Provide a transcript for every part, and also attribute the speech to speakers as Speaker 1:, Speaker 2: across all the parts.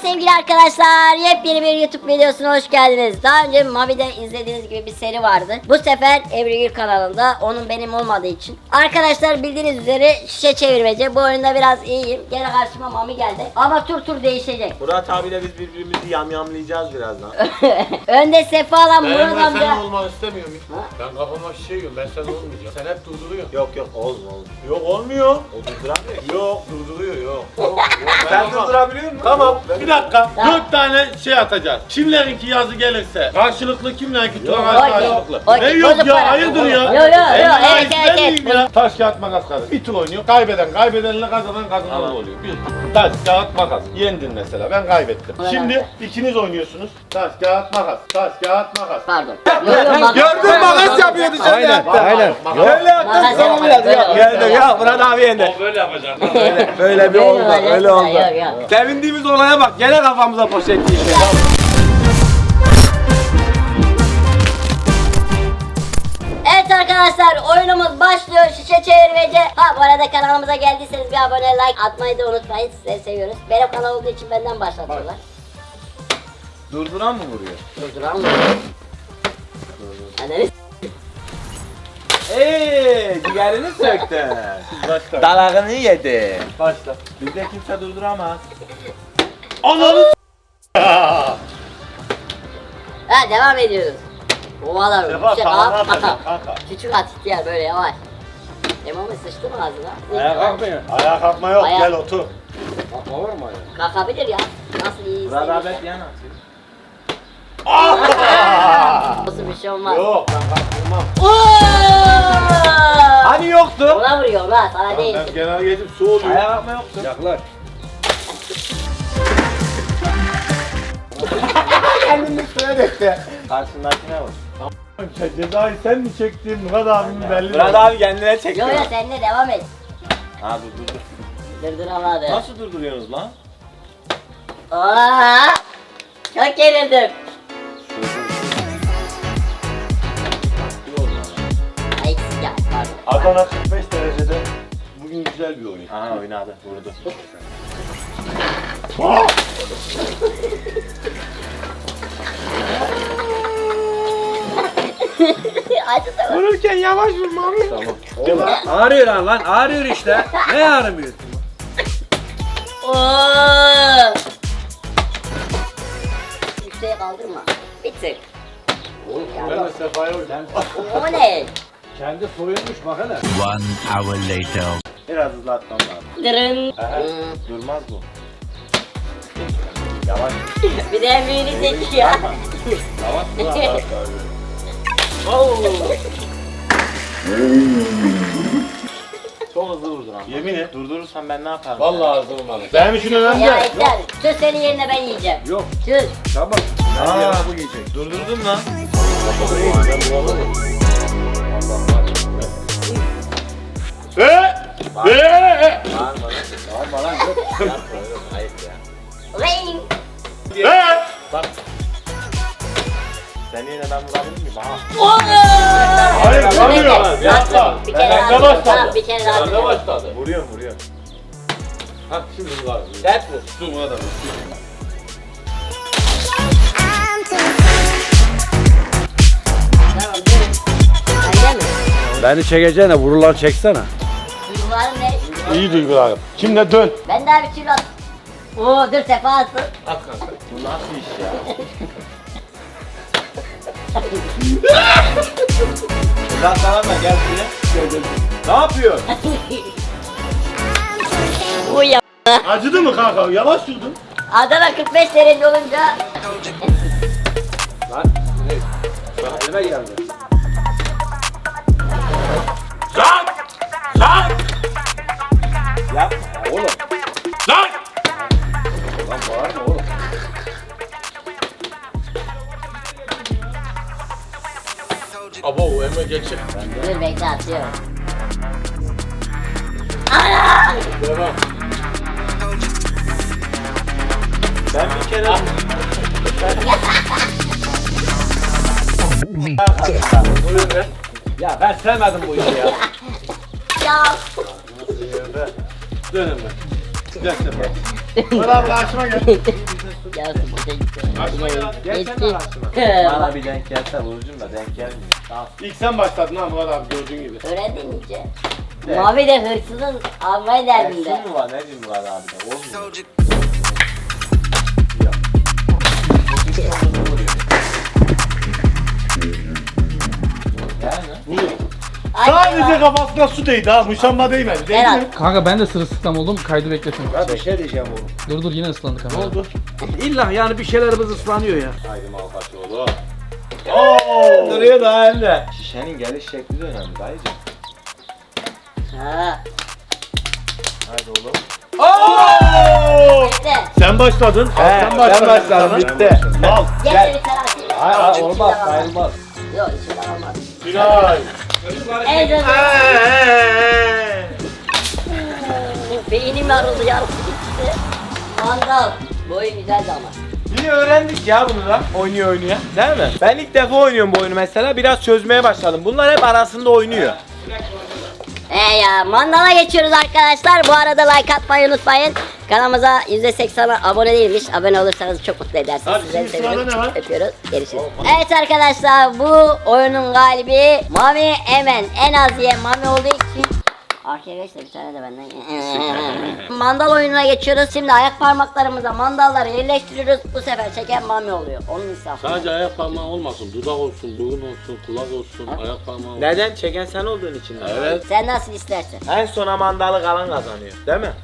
Speaker 1: sevgili arkadaşlar, yepyeni bir YouTube videosuna hoş geldiniz. Daha önce Mavi'de izlediğiniz gibi bir seri vardı. Bu sefer Ebru Gül kanalında, onun benim olmadığı için. Arkadaşlar bildiğiniz üzere şişe çevirmece. Bu oyunda biraz iyiyim. Gene karşıma Mami geldi. Ama tur değişecek.
Speaker 2: Murat abiyle biz birbirimizi yamyamlayacağız birazdan.
Speaker 1: Önde Sefa'la Murat
Speaker 3: Ben
Speaker 1: amca.
Speaker 3: senin olmanı istemiyorum.
Speaker 1: Ha?
Speaker 3: Ben kafama şişe yiyorum. Ben sen olmayacağım. Sen hep durduruyorsun.
Speaker 2: Yok olsun.
Speaker 3: Yok olmuyor.
Speaker 2: O durduramıyor ki.
Speaker 3: Yok durduruyor yok.
Speaker 2: Sen durdurabiliyor musun?
Speaker 3: Tamam bir dakika.
Speaker 1: Tamam.
Speaker 3: 4 tane şey atacağız. Kimlerinki yazı gelirse karşılıklı, kimlerinki Turan
Speaker 1: Okey,
Speaker 3: karşılıklı.
Speaker 1: okey,
Speaker 3: Ne yok
Speaker 1: bozuk
Speaker 3: ya
Speaker 1: para.
Speaker 3: hayırdır ya.
Speaker 1: Yok, evet.
Speaker 3: Ya. Taş kağıt makas kardeş. Bir tur oynuyor. Kaybedenle kazanan oluyor. Bir taş kağıt makas. Yendin mesela. Ben kaybettim.
Speaker 1: Aynen.
Speaker 3: Şimdi ikiniz oynuyorsunuz. Taş kağıt makas. Taş kağıt makas.
Speaker 1: Pardon. Yok,
Speaker 2: Gördün makas yapıyor dışarıda.
Speaker 4: Aynen.
Speaker 2: Böyle yaptın
Speaker 1: Makas
Speaker 2: sana
Speaker 1: yapma,
Speaker 2: biraz.
Speaker 1: böyle
Speaker 2: Yok
Speaker 1: olsun.
Speaker 2: geldi ya Murat abi yendi.
Speaker 3: O böyle yapacak.
Speaker 2: Böyle bir
Speaker 1: Böyle
Speaker 2: oldu.
Speaker 1: olacak.
Speaker 2: Öyle oldu.
Speaker 1: Yok.
Speaker 2: Sevindiğimiz olaya bak. Gene kafamıza poşet giydi.
Speaker 1: Evet arkadaşlar, oyunumuz başlıyor. Şişe çevirmece. Ha, bu arada kanalımıza geldiyseniz bir abone, like atmayı da unutmayın. Sizleri seviyoruz. Benim kanal olduğu için benden başlatıyorlar.
Speaker 2: Durduran mı vuruyor?
Speaker 1: Durduran mı? Hadi.
Speaker 2: Ciğerini söktü.
Speaker 3: Başla.
Speaker 2: Dalağını yedi.
Speaker 3: Başla.
Speaker 2: Bizde kimse durduramaz.
Speaker 3: Ananı
Speaker 1: Ha, devam ediyoruz. Ovalar.
Speaker 3: Sefa
Speaker 1: yüksek
Speaker 3: sağlam
Speaker 1: at.
Speaker 3: atacak kanka.
Speaker 1: Küçük at ihtiyar, böyle yavaş. Emamı sıçtı mı ağzına?
Speaker 3: Ayağa kalkmayın. Ayağa kalkma yok.
Speaker 1: Ayağa-
Speaker 3: Gel otur.
Speaker 4: Olur mu ya?
Speaker 1: Kalkabilir ya. Nasıl iyi
Speaker 2: Murat
Speaker 1: hissediyorsa.
Speaker 2: abi yan atıyor.
Speaker 1: Nasıl bir şey olmaz.
Speaker 3: Yok ben kalkmam.
Speaker 2: Hani yoktu?
Speaker 1: Ona vuruyor lan, sana değil.
Speaker 3: Ben genel geçip su oluyor.
Speaker 2: Ayağa kalkma yoktu.
Speaker 4: Yaklaş.
Speaker 2: Kendini üstüne döktü. Karşındakine vur.
Speaker 3: Cezayı sen mi çektin? Murat abimin belli.
Speaker 2: Murat abi kendine çekiyor.
Speaker 1: Yo seninle devam et.
Speaker 2: Ha dur.
Speaker 1: Durduramadı.
Speaker 2: Nasıl durduruyorsunuz lan?
Speaker 1: Aa, çok gerildim. Ay, eksik ya, pardon.
Speaker 3: Adana 45 derecede. Bugün güzel bir oyun.
Speaker 2: Aha oynadı. Vurdu.
Speaker 1: Acıdı mı?
Speaker 2: Vururken yavaş vurma abi.
Speaker 4: Tamam. Ağrıyor lan ağrıyor işte. Ne ağrımıyor?
Speaker 1: Oo. Yükseğe kaldırma. Bir tık.
Speaker 3: Ben de Sefa'ya oynadım.
Speaker 1: O ne?
Speaker 4: Kendi soyulmuş bak hele.
Speaker 5: One hour later.
Speaker 2: Biraz hızlı atmam lazım.
Speaker 1: Dırın.
Speaker 2: Durmaz bu. Yavaş.
Speaker 1: Bir de büyüğünü çekiyor.
Speaker 3: Yavaş.
Speaker 2: Çok hızlı vurdun ama.
Speaker 3: Yemin et.
Speaker 2: Durdurursan ben ne yaparım?
Speaker 3: Vallahi hazır olmalı. Benim için önemli.
Speaker 1: Ya Ekler, söz senin yerine ben yiyeceğim.
Speaker 4: Yok.
Speaker 1: Söz.
Speaker 4: Tamam.
Speaker 2: Aa.
Speaker 4: Bu yiyecek.
Speaker 2: Durdurdun lan. Bağırma lan.
Speaker 4: Bağırma lan. Yok.
Speaker 2: Yapma oğlum, ayıp ya.
Speaker 1: Ring.
Speaker 2: Bak. Seni yine ben vurabilir miyim? Aha.
Speaker 1: Oo.
Speaker 3: Hayır,
Speaker 1: Dur,
Speaker 3: vuramıyor.
Speaker 1: bekle.
Speaker 3: Yapma.
Speaker 1: Bak, bir kere
Speaker 3: Ben
Speaker 1: daha.
Speaker 3: de başladım.
Speaker 1: Tamam, bir kere daha.
Speaker 3: Ben de başladı.
Speaker 2: Vuruyorum.
Speaker 3: Ha şimdi bu var.
Speaker 2: Dert vur.
Speaker 3: Dur Murat abi.
Speaker 1: Tamam, dur. Bende mi?
Speaker 4: Beni çekeceğine vurular çeksene.
Speaker 1: Duyguların ne?
Speaker 3: İyi duygularım. Şimdi dön.
Speaker 1: Ben daha bir kilo at. Oo, dur Sefa atsın.
Speaker 3: At kanka.
Speaker 2: Bu nasıl iş ya? Murat tamam da gel buraya. Ne yapıyor?
Speaker 1: Bu ya.
Speaker 3: Acıdı mı kanka? Yavaş durdun.
Speaker 1: Adana 45 derece olunca
Speaker 4: Lan. Bak elime geldi.
Speaker 2: Yapma ya.
Speaker 4: Oğlum.
Speaker 3: Lan!
Speaker 4: Lan bağırma oğlum.
Speaker 3: Abo Emre geçecek.
Speaker 1: dur bekle atıyorum. Ana!
Speaker 3: Devam.
Speaker 2: Ben bir kere...
Speaker 4: Ya ben sevmedim bu işi ya.
Speaker 1: Ya.
Speaker 3: Dön Emre. Gel Sefa. Murat abi karşıma gel.
Speaker 1: Yarısı boşa gitti.
Speaker 3: Açma ya.
Speaker 1: Geçti.
Speaker 2: Bana bir denk gelse vurucum da denk gelmiyor. Tamam.
Speaker 3: İlk sen başladın ha Murat abi gördüğün gibi.
Speaker 1: Öğrendin iyice.
Speaker 2: Evet.
Speaker 1: Mavi de hırsızın almayı derdinde.
Speaker 2: Ersin mi var? Ne diyeyim Murat abi de? Olmuyor. Yani.
Speaker 3: Sadece kafasına su değdi ha. Muşamba değmedi. Değdi
Speaker 1: Berat.
Speaker 3: mi?
Speaker 6: Kanka ben de sırılsıklam oldum. Kaydı bekletin.
Speaker 4: Ya bir şey diyeceğim oğlum.
Speaker 6: Dur yine ıslandı kamera.
Speaker 3: Ne oldu?
Speaker 4: İlla yani bir şeylerimiz ıslanıyor ya.
Speaker 3: Haydi Malkaçoğlu. Oo!
Speaker 2: Duruyor da hem de. Şişenin geliş şekli de önemli dayıcım.
Speaker 1: Ha.
Speaker 2: Haydi oğlum.
Speaker 3: Oo!
Speaker 1: İşte.
Speaker 3: Sen başladın.
Speaker 2: Ben başladım, bitti.
Speaker 3: Mal.
Speaker 1: Gel bir tane atayım.
Speaker 2: Hayır olmaz
Speaker 1: İçinden
Speaker 2: sayılmaz.
Speaker 1: Yok içinden olmaz.
Speaker 3: Günay.
Speaker 1: En zor. Beynim yarıldı yarısı gitti. Mandal. Bu oyun güzeldi ama.
Speaker 2: İyi öğrendik ya bunu da oynuyor. Değil mi? Ben ilk defa oynuyorum bu oyunu mesela. Biraz çözmeye başladım. Bunlar hep arasında oynuyor.
Speaker 1: Ya mandala geçiyoruz arkadaşlar. Bu arada like atmayı unutmayın. Kanalımıza %80'a abone değilmiş. Abone olursanız çok mutlu edersiniz.
Speaker 3: Hadi
Speaker 1: Sizleri
Speaker 3: şimdi sırada
Speaker 1: seviyorum.
Speaker 3: ne var?
Speaker 1: Öpüyoruz. Görüşürüz. Evet arkadaşlar bu oyunun galibi Mami Emen. En az yiyen Mami olduğu için arkaya geç de bir tane de benden. Mandal oyununa geçiyoruz. Şimdi ayak parmaklarımıza mandalları yerleştiriyoruz. Bu sefer çeken Mami oluyor. Onun insafı.
Speaker 7: Sadece ayak parmağı olmasın, dudak olsun, burun olsun, kulak olsun, ayak parmağı olsun.
Speaker 2: Neden? Çeken sen olduğun için.
Speaker 7: Evet.
Speaker 1: Sen nasıl istersen.
Speaker 2: En sona mandalı kalan kazanıyor. Değil mi?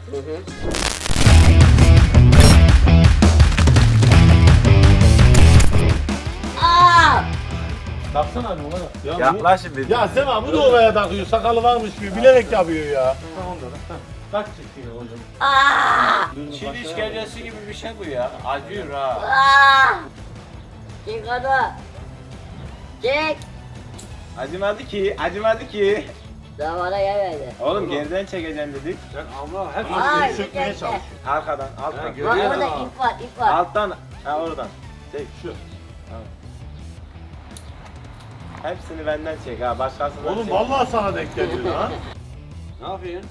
Speaker 1: Aa!
Speaker 3: Baksana hadi Murat. Ya,
Speaker 2: Yaklaşın bir.
Speaker 3: ya Sema bu da oraya takıyor. Sakalı varmış gibi bilerek yapıyor ya. Kaç çektiğini hocam?
Speaker 1: Aa!
Speaker 2: Çin işkencesi gibi bir şey bu ya. Acıyor ha.
Speaker 1: Aa! Çek onu. Çek.
Speaker 2: Acımadı ki.
Speaker 1: Zamana gelmedi.
Speaker 2: Oğlum geriden çekeceğim dedik.
Speaker 4: Allah hep
Speaker 1: Ay,
Speaker 3: Seni sökmeye
Speaker 1: çek, çek.
Speaker 3: çalışıyor.
Speaker 2: Arkadan, alttan.
Speaker 1: Bak
Speaker 4: Görüyor
Speaker 1: burada
Speaker 4: musun?
Speaker 1: ip var, ip var.
Speaker 2: Alttan, ha oradan. Çek.
Speaker 3: Şu.
Speaker 2: Hepsini benden çek ha. Başkasından
Speaker 3: Oğlum
Speaker 2: çek.
Speaker 3: vallahi sana denk geliyor ha.
Speaker 4: ne yapıyorsun?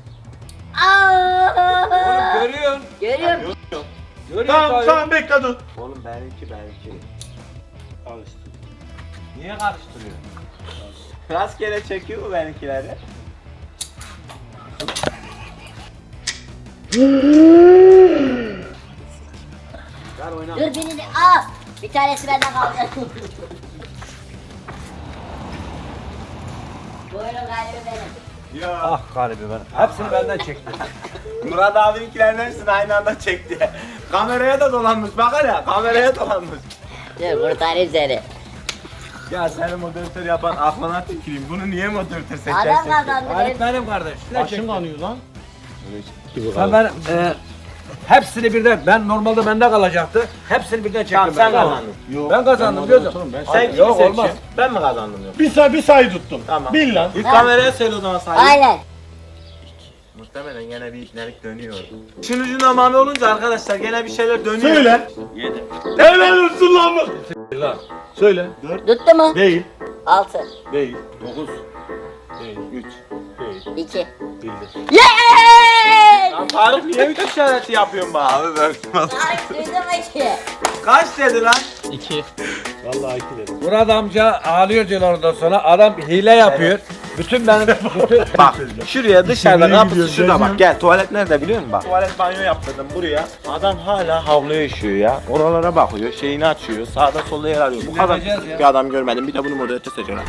Speaker 1: Aa!
Speaker 4: Oğlum görüyorsun.
Speaker 1: Görüyorum.
Speaker 4: Görüyorsun
Speaker 3: Tamam
Speaker 4: tabii.
Speaker 3: tamam bekle dur.
Speaker 2: Oğlum benimki.
Speaker 3: Karıştı.
Speaker 2: Niye karıştırıyor? Rastgele çekiyor mu benimkileri?
Speaker 4: Ver oyna.
Speaker 1: Dur birini al. Bir tanesi benden kaldı. Bu oyunun galibi benim.
Speaker 3: Ya.
Speaker 4: Ah galibi ben. Hepsini benden çekti.
Speaker 2: Murat abininkilerin hepsini aynı anda çekti. Kameraya da dolanmış bak hele. Kameraya dolanmış.
Speaker 1: Dur kurtarayım seni.
Speaker 2: Ya seni moderatör yapan aklına tüküreyim. Bunu niye moderatör seçersin?
Speaker 1: Adam kazandı
Speaker 4: Halit
Speaker 1: benim.
Speaker 4: benim kardeş.
Speaker 3: Başım kanıyor lan.
Speaker 4: Ben hepsini birden, ben normalde bende kalacaktı. Hepsini birden çektim.
Speaker 2: Tamam sen
Speaker 4: ben.
Speaker 2: kazandın.
Speaker 4: Ben kazandım biliyorsun.
Speaker 2: Sen kimi
Speaker 4: Yok,
Speaker 2: seçiyorsun?
Speaker 4: olmaz.
Speaker 2: Ben mi kazandım yok?
Speaker 3: Bir sayı tuttum.
Speaker 2: Tamam.
Speaker 3: Bil lan.
Speaker 2: İlk kameraya söyle o zaman sayayım.
Speaker 1: Aynen.
Speaker 2: Muhtemelen gene bir ipnelik dönüyor. İşin ucunda mami olunca arkadaşlar gene bir şeyler dönüyor.
Speaker 3: Söyle.
Speaker 2: 7.
Speaker 3: Helal olsun lan bu. Söyle.
Speaker 1: Tuttu mu?
Speaker 3: Değil.
Speaker 1: 6,
Speaker 3: Değil. 9. Değil. 3. Değil.
Speaker 1: 2.
Speaker 3: Bildi.
Speaker 1: Yeeey!
Speaker 2: Lan Faruk niye 3 işareti yapıyorsun bana? Abi ben
Speaker 1: Ay duydum ki.
Speaker 2: kaç dedi lan?
Speaker 6: 2.
Speaker 3: Vallahi 2 dedim.
Speaker 4: Murat amca ağlıyor diyorlar ondan sonra. Adam hile yapıyor. Bütün benim, bütün...
Speaker 2: Bak şuraya dışarıda
Speaker 3: Nereye
Speaker 2: kapısı
Speaker 3: gidiyoruz,
Speaker 2: şurada
Speaker 3: Recep?
Speaker 2: bak gel tuvalet nerede biliyor musun bak. Tuvalet banyo yaptırdım buraya. Adam hala havluya işiyor ya. Oralara bakıyor şeyini açıyor sağda solda yer arıyor. Bu kadar
Speaker 4: Dinleneceğiz ya.
Speaker 2: bir adam görmedim bir de bunu moderatör seçiyorlar.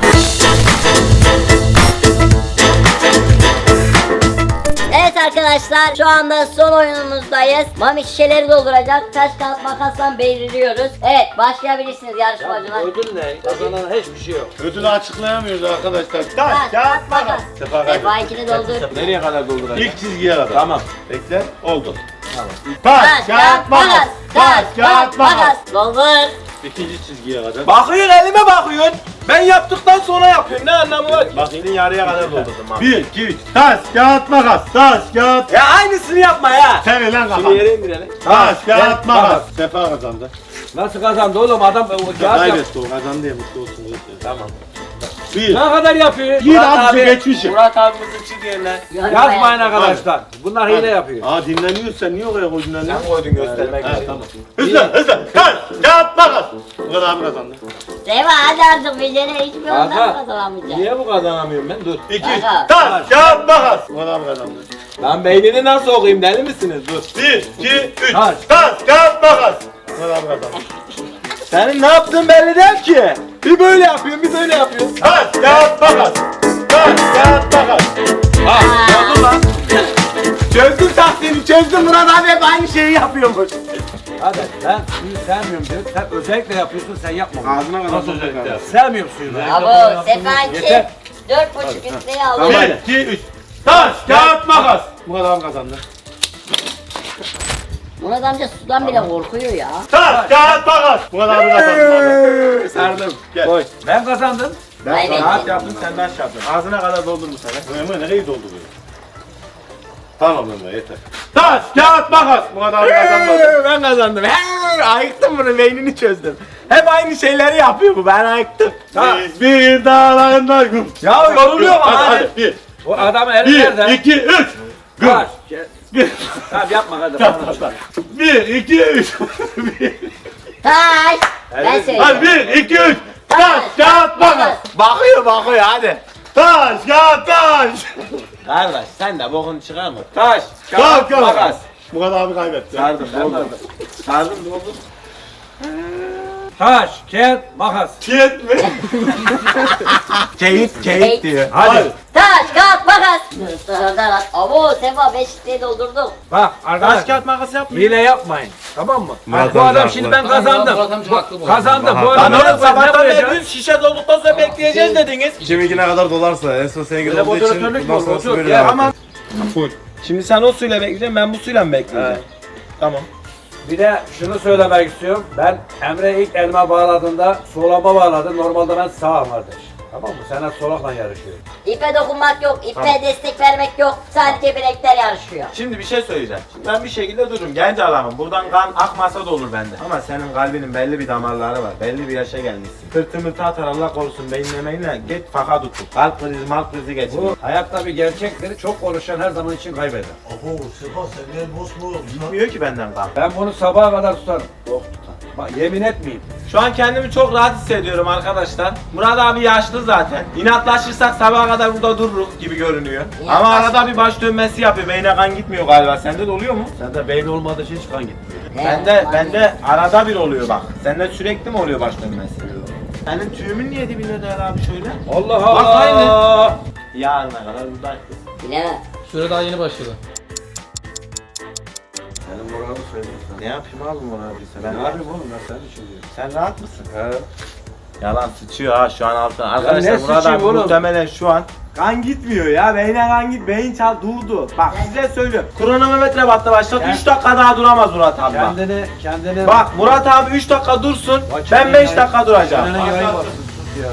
Speaker 1: Evet arkadaşlar şu anda son oyunumuzdayız. Mami şişeleri dolduracak. Taş kağıt makasla belirliyoruz. Evet başlayabilirsiniz yarışmacılar.
Speaker 4: Ödül ne? Kazanan hiçbir şey yok.
Speaker 3: Ödülü açıklayamıyoruz arkadaşlar.
Speaker 1: Taş kağıt makas.
Speaker 3: Sefa kaydı.
Speaker 1: Sefa ikini doldur.
Speaker 2: Nereye kadar dolduracak?
Speaker 3: İlk çizgiye kadar.
Speaker 2: Tamam.
Speaker 3: Bekle. Oldu.
Speaker 2: Tamam.
Speaker 3: Taş, kağıt, makas. Taş, kağıt, makas.
Speaker 1: Doldur.
Speaker 3: İkinci çizgiye kadar.
Speaker 2: Bakıyorsun elime bakıyorsun. Ben yaptıktan sonra yapıyorum ne anlamı var? Bak senin yarıya kadar doldurdum abi.
Speaker 3: 1, 2, 3. Taş, kağıt, makas. Taş, kağıt.
Speaker 2: Ya aynısını yapma ya.
Speaker 3: Sen lan
Speaker 2: Şunu
Speaker 3: kapat.
Speaker 2: yere indirelim.
Speaker 3: Taş, kağıt,
Speaker 4: Gel,
Speaker 3: makas. Sefa kazandı.
Speaker 4: Nasıl kazandı oğlum adam o kağıt yap.
Speaker 3: Kaybetti o kazandı ya mutlu olsun. diye.
Speaker 2: Tamam.
Speaker 3: 1.
Speaker 4: Ne kadar yapıyor?
Speaker 3: Bir
Speaker 4: Murat
Speaker 3: abisi geçmişim.
Speaker 2: Murat abimizi çiziyorlar.
Speaker 4: Yazmayın arkadaşlar. Bunlar hile yapıyor.
Speaker 3: Aa dinleniyorsun sen niye oraya koydun lan?
Speaker 2: Sen koydun göstermek
Speaker 3: Ha,
Speaker 2: için.
Speaker 3: tamam.
Speaker 4: Bir
Speaker 3: hızlı. Taş, kağıt, makas. Murat abi kazandı.
Speaker 1: Seva hadi artık Bilge'ne hiçbir ondan
Speaker 4: Kanka,
Speaker 1: kazanamayacak.
Speaker 4: Niye bu kazanamıyorum ben? Dur.
Speaker 3: 2,
Speaker 1: Kanka.
Speaker 3: taş, kağıt, makas. Murat abi kazandı.
Speaker 2: Lan beynini nasıl okuyayım deli misiniz? Dur.
Speaker 3: 1, 2, 3.
Speaker 4: Taş.
Speaker 3: Taş, kağıt, makas. Murat abi kazandı.
Speaker 2: Senin ne yaptığın belli değil ki. Bir böyle yapıyorsun bir böyle yapıyorsun.
Speaker 3: Taş, kağıt, makas. Taş, kağıt, makas.
Speaker 2: Oldu lan. Çözdüm taktiğini çözdüm Murat abi hep aynı şeyi yapıyormuş.
Speaker 4: Hadi ben suyu sevmiyorum diyor. Sen özellikle yapıyorsun sen yapma.
Speaker 3: Ağzına kadar
Speaker 4: Nasıl özellikle? Sevmiyorum suyu ben.
Speaker 1: Abo Sefa 2.
Speaker 4: Yeter.
Speaker 1: 4,5 üstüne aldı.
Speaker 3: 1, 2, 3. Taş, kağıt, makas. Murat abi kazandı.
Speaker 1: Murat amca sudan bile korkuyor ya.
Speaker 3: Taş, kağıt, makas. Murat abi kazandı.
Speaker 2: Sardım.
Speaker 3: Gel.
Speaker 2: Koy.
Speaker 4: Ben kazandım.
Speaker 2: Ben
Speaker 1: Kaybettin.
Speaker 2: rahat yaptım sen taş yaptın. Ağzına kadar doldur bu sefer.
Speaker 3: Ömer nereyi dolduruyor? Tamam Ömer yeter. Taş, kağıt, makas. Murat abi kazanmadı.
Speaker 2: Ben kazandım. Ayıktım bunu beynini çözdüm. Hep aynı şeyleri yapıyor bu ben ayıktım.
Speaker 3: Biz bir dağlarında güm.
Speaker 2: Ya yoruluyor mu
Speaker 3: Hadi
Speaker 2: hadi.
Speaker 3: hadi. 1,
Speaker 4: O adamın eli nerede?
Speaker 3: 2, 3. Güm.
Speaker 4: Kaç. Tamam yapma hadi. bana.
Speaker 3: 1, 2, 3.
Speaker 1: Taş. Ben söyleyeyim.
Speaker 3: Hadi 1, 2, 3. Taş, kağıt, makas.
Speaker 2: Bakıyor hadi.
Speaker 3: Taş, kağıt, taş.
Speaker 2: Kardeş sen de bokunu çıkarma. Taş,
Speaker 3: Kağıt,
Speaker 2: kağıt, makas.
Speaker 3: Murat abi kaybetti.
Speaker 2: Sardım doldur. Sardım doldur.
Speaker 4: Taş, kağıt, makas.
Speaker 3: Çiğet mi?
Speaker 2: Keyif diyor.
Speaker 4: Hadi.
Speaker 1: Taş, kağıt, makas. Abo Sefa 5 litre doldurduk.
Speaker 4: Bak
Speaker 2: Taş,
Speaker 4: arkadaş.
Speaker 2: kağıt, makas yapma.
Speaker 4: Hile yapmayın. Tamam mı?
Speaker 3: Murat
Speaker 4: bu
Speaker 3: amca
Speaker 4: adam
Speaker 3: haklı.
Speaker 4: şimdi ben
Speaker 6: Murat
Speaker 4: kazandım.
Speaker 6: amca haklı bu arada.
Speaker 4: Kazandım. Bu
Speaker 3: Lan
Speaker 4: adam
Speaker 2: Lan oğlum
Speaker 4: ne
Speaker 2: sabahtan
Speaker 4: koyacak?
Speaker 2: beri 100 şişe dolduktan sonra bekleyeceğiz dediniz.
Speaker 3: Kiminki ne kadar dolarsa en son senin
Speaker 4: Böyle
Speaker 3: olduğu için
Speaker 4: moderatörlük mü
Speaker 3: bundan
Speaker 4: olur?
Speaker 3: sonrası
Speaker 4: Otur.
Speaker 3: böyle
Speaker 4: Ya
Speaker 3: devam
Speaker 2: Ama
Speaker 3: et.
Speaker 2: şimdi sen o suyla bekleyeceksin ben bu suyla mı bekleyeceğim? Tamam.
Speaker 4: Bir de şunu söylemek istiyorum. Ben Emre ilk elma bağladığında solama bağladı. Normalde ben sağım kardeş. Tamam mı? Sen hep solakla yarışıyorsun.
Speaker 1: İpe dokunmak yok, ipe destek vermek yok. Sadece bilekler yarışıyor.
Speaker 2: Şimdi bir şey söyleyeceğim. Şimdi ben bir şekilde dururum. Genç adamım. Buradan kan akmasa da olur bende. Ama senin kalbinin belli bir damarları var. Belli bir yaşa gelmişsin. Pırtı mırtı atar Allah korusun beyinlemeyle git faka tutun. Kalp krizi malp krizi geçirir.
Speaker 4: Bu hayatta bir gerçektir. Çok konuşan her zaman için kaybeder.
Speaker 2: Gitmiyor ki benden kan.
Speaker 4: Ben bunu sabaha kadar tutarım. Yok tutar. Bak yemin etmeyeyim.
Speaker 2: Şu an kendimi çok rahat hissediyorum arkadaşlar. Murat abi yaşlı zaten. İnatlaşırsak sabaha kadar burada dururuz gibi görünüyor. Ama arada bir baş dönmesi yapıyor. Beyne kan gitmiyor galiba. Sende de oluyor mu?
Speaker 4: Sende beyin olmadığı için hiç kan gitmiyor.
Speaker 2: Bende arada bir oluyor bak. Sende sürekli mi oluyor baş dönmesi? Senin tüyümün niye dibinde değer abi şöyle?
Speaker 4: Allah
Speaker 2: Bak
Speaker 4: Allah.
Speaker 2: aynı. Yarına kadar buradayız.
Speaker 1: Bilemem.
Speaker 6: Süre daha yeni başladı.
Speaker 4: Senin moralini söyleyeyim sana.
Speaker 2: Ne yapayım abi Murat abi sen?
Speaker 4: Ben ne yapayım oğlum ben senin için diyorum.
Speaker 2: Sen rahat mısın?
Speaker 4: He.
Speaker 2: Yalan sıçıyor ha şu an altına. Arkadaşlar
Speaker 4: ne
Speaker 2: Murat
Speaker 4: sıçayım
Speaker 2: abi
Speaker 4: oğlum?
Speaker 2: muhtemelen şu an kan gitmiyor ya. Beyne kan git. Beyin çal durdu. Bak size söylüyorum. Kronometre battı başlat. 3 dakika daha duramaz Murat abi bak.
Speaker 4: Kendini
Speaker 2: Bak Murat abi 3 dakika dursun.
Speaker 4: Bak,
Speaker 2: Ben
Speaker 4: kendine
Speaker 2: 5
Speaker 4: yayın-
Speaker 2: dakika duracağım.
Speaker 4: kendine yayın baksın, sus ya.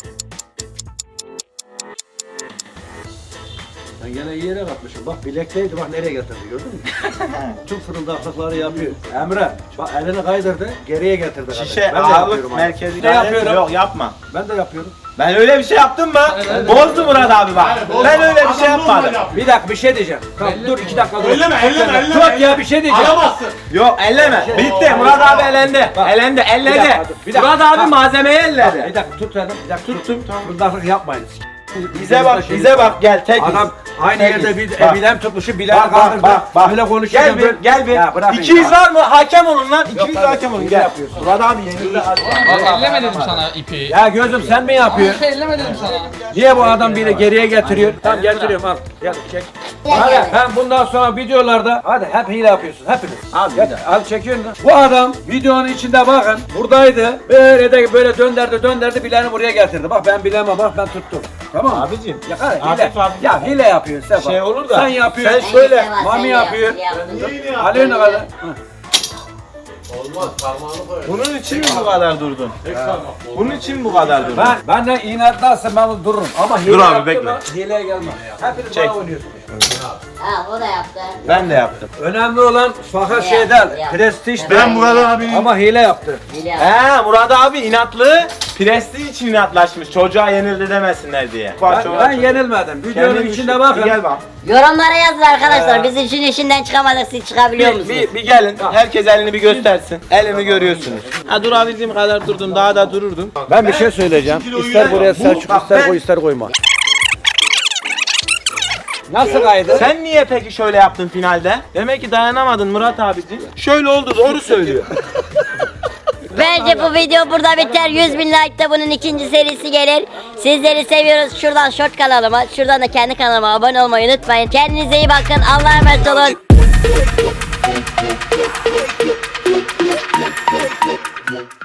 Speaker 4: Ben gene iyi yere bakmışım. Bak bilekteydi bak nereye getirdi gördün mü? Tüm fırıldaklıkları yapıyor. Emre bak elini kaydırdı geriye getirdi.
Speaker 2: Şişe
Speaker 4: kardeşim. Ben de
Speaker 2: ağırlık
Speaker 4: yapıyorum aynı.
Speaker 2: merkezi.
Speaker 4: Ne yapıyorum?
Speaker 2: Yok yapma.
Speaker 4: Ben de yapıyorum.
Speaker 2: Ben öyle bir şey yaptım mı?
Speaker 6: Evet.
Speaker 2: Bozdu Murat abi bak. Ben öyle bir şey
Speaker 3: Adam
Speaker 2: yapmadım.
Speaker 3: normal yapıyor.
Speaker 4: Bir dakika bir şey diyeceğim. Tamam dur 2 dakika dur.
Speaker 3: Elleme.
Speaker 4: Dur ya bir şey diyeceğim.
Speaker 3: Alamazsın.
Speaker 2: Yok elleme. Bitti. Murat abi elendi.
Speaker 4: Bak.
Speaker 2: Elendi.
Speaker 4: Bir
Speaker 2: Elledi.
Speaker 4: dakika, dur, bir dakika.
Speaker 2: Murat abi
Speaker 4: Bak.
Speaker 2: malzemeyi
Speaker 4: Bak,
Speaker 2: elledi.
Speaker 4: bir dakika tut dedim. Bir dakika
Speaker 2: Tuttum, tamam.
Speaker 4: Fırıldaklık yapmayın.
Speaker 2: Bize bak, bize bak gel tek.
Speaker 4: Adam aynı
Speaker 2: Tekiz.
Speaker 4: yerde bir
Speaker 2: Bak.
Speaker 4: bilem tutmuşu bilen
Speaker 2: Bak
Speaker 4: kaldırdı.
Speaker 2: bak.
Speaker 4: Böyle konuşuyor.
Speaker 2: Gel bir, gel bir.
Speaker 4: Ya bırakın
Speaker 2: 200
Speaker 4: ya.
Speaker 2: var mı? Hakem olun lan. 200
Speaker 4: tabii.
Speaker 2: hakem olun
Speaker 4: Hile
Speaker 2: gel.
Speaker 4: yapıyorsun.
Speaker 2: Murat abi yenildi.
Speaker 6: Bak elleme dedim sana ipi.
Speaker 4: Ya gözüm sen mi yapıyorsun?
Speaker 6: Elleme dedim sana.
Speaker 4: Niye bu adam biri geriye getiriyor? Tamam getiriyorum al. Gel çek. Hadi hem bundan sonra videolarda hadi hep hile yapıyorsun hepiniz.
Speaker 2: Abi bir
Speaker 4: Gel,
Speaker 2: dakika.
Speaker 4: al çekiyorsun da. Bu adam videonun içinde bakın buradaydı. Böyle dönderdi bileğini buraya getirdi. Bak ben bilemem bak ben tuttum. Tamam mı?
Speaker 2: Abicim.
Speaker 4: Ya hile.
Speaker 2: Hafif hafif.
Speaker 4: Ya hile yapıyorsun sen bak.
Speaker 2: Şey olur da,
Speaker 4: Sen yapıyorsun.
Speaker 2: sen şöyle,
Speaker 1: Bence Sefa,
Speaker 4: mami
Speaker 1: sen
Speaker 4: yapıyor.
Speaker 1: yaptın.
Speaker 4: Alıyor ne kadar? Hı.
Speaker 3: Olmaz parmağını koy.
Speaker 2: Bunun için mi bu kadar durdun? Bunun için mi bu kadar durdun?
Speaker 4: Ben de inatlarsın ben dururum. Ama hile
Speaker 2: Dur abi,
Speaker 4: yaptın
Speaker 2: bekle.
Speaker 4: mı, hileye gelme. Hepiniz
Speaker 2: Çek.
Speaker 4: bana oynuyorsunuz.
Speaker 1: Ha o da yaptı.
Speaker 2: Ben de yaptım.
Speaker 4: Önemli olan fakat
Speaker 1: Ya,
Speaker 4: şeyden,
Speaker 1: ya.
Speaker 4: prestij
Speaker 3: Ben Murat abi
Speaker 4: ama hile yaptı.
Speaker 1: Biliyorum.
Speaker 2: He Murat abi inatlı. Prestij için inatlaşmış. Çocuğa yenildi demesinler diye.
Speaker 4: Ben yenilmedim. Videonun içinde bakın.
Speaker 2: Gel bak.
Speaker 1: Yorumlara yazın arkadaşlar. Biz için işinden çıkamadık, siz çıkabiliyor musunuz?
Speaker 2: Bir gelin. Herkes elini bir göstersin. Elimi görüyorsunuz. Ha durabildiğim kadar durdum. Daha da dururdum.
Speaker 4: Ben bir şey söyleyeceğim. İster buraya Selçuk, ister koy, ister koyma. Nasıl kaydı?
Speaker 2: Sen niye peki şöyle yaptın finalde? Demek ki dayanamadın Murat abiciğim. Şöyle oldu, doğru söylüyor.
Speaker 1: Bence bu video burada biter. 100.000 like'da bunun ikinci serisi gelir. Sizleri seviyoruz. Şuradan short kanalıma, şuradan da kendi kanalıma abone olmayı unutmayın. Kendinize iyi bakın. Allah'a emanet olun.